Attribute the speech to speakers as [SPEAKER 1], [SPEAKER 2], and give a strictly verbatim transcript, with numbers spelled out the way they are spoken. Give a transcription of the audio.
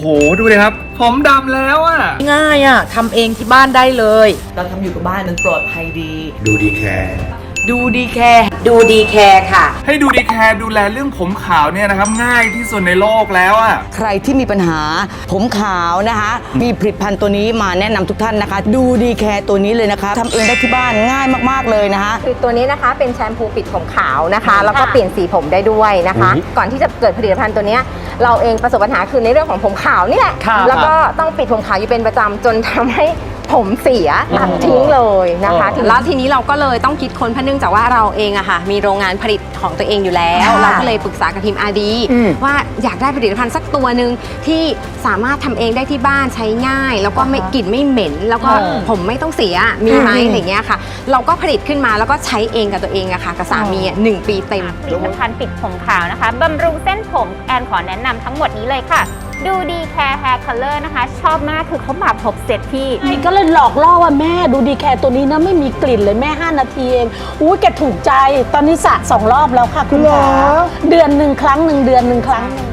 [SPEAKER 1] โหดูเลยครับผมดำแล้วอ่ะ
[SPEAKER 2] ง่ายอ่ะทำเองที่บ้านได้เลย
[SPEAKER 3] เราทำอยู่กับบ้านมันปลอดภัยดี
[SPEAKER 4] ดูดีแคร์
[SPEAKER 2] ดูดีแคร์ดูดีแคร์ค่ะ
[SPEAKER 1] ให้ดูดีแคร์ดูแลเรื่องผมขาวเนี่ยนะครับง่ายที่สุดในโลกแล้วอ่ะ
[SPEAKER 3] ใครที่มีปัญหาผมขาวนะคะมีผลิตภัณฑ์ตัวนี้มาแนะนำทุกท่านนะคะดูดีแคร์ตัวนี้เลยนะคะทำเองได้ที่บ้านง่ายมากๆเลยนะคะ
[SPEAKER 5] คือตัวนี้นะคะเป็นแชมพูปิดผมขาวนะคะแล้วก็เปลี่ยนสีผมได้ด้วยนะคะก่อนที่จะเกิดผลิตภัณฑ์ตัวนี้เราเองประสบปัญหาคือในเรื่องของผมขาวนี่แหละแล้วก็ต้องปิดผมขาวอยู่เป็นประจำจนทำให้ผมเสียตัดทิ้งเลยนะคะแล้วทีนี้เราก็เลยต้องคิดค้นเพราะเนื่องจากว่าเราเองอะค่ะมีโรงงานผลิตของตัวเองอยู่แล้วเราก็เลยปรึกษากับทีม อาร์ ดี ว่าอยากได้ผลิตภัณฑ์สักตัวหนึ่งที่สามารถทำเองได้ที่บ้านใช้ง่าย แล้วก็ไม่กลิ่นไม่เหม็นแล้วก็ผมไม่ต้องเสียมีไหมอะไรเงี้ยค่ะเราก็ผลิตขึ้นมาแล้วก็ใช้เองกับตัวเองอะค่ะกับสามีหนึ่งปีเต็ม
[SPEAKER 6] ผลิตภัณฑ์ปิดผมขาวนะคะบำรุงเส้นผมแอนขอแนะนำทั้งหมดนี้เลยค่ะดูดีแคร์แฮร์คัลเลอร์นะคะชอบมากคือเขามาครบเซตที่
[SPEAKER 7] ก็เลยหลอกล่อว่าแม่ดูดีแคร์ตัวนี้นะไม่มีกลิ่นเลยแม่ห้านาทีเองอุ้ยแกถูกใจตอนนี้สระสองรอบแล้วค่ะคุณหมอเดือนหนึ่งครั้งหนึ่งเดือนหนึ่งครั้งหนึ่ง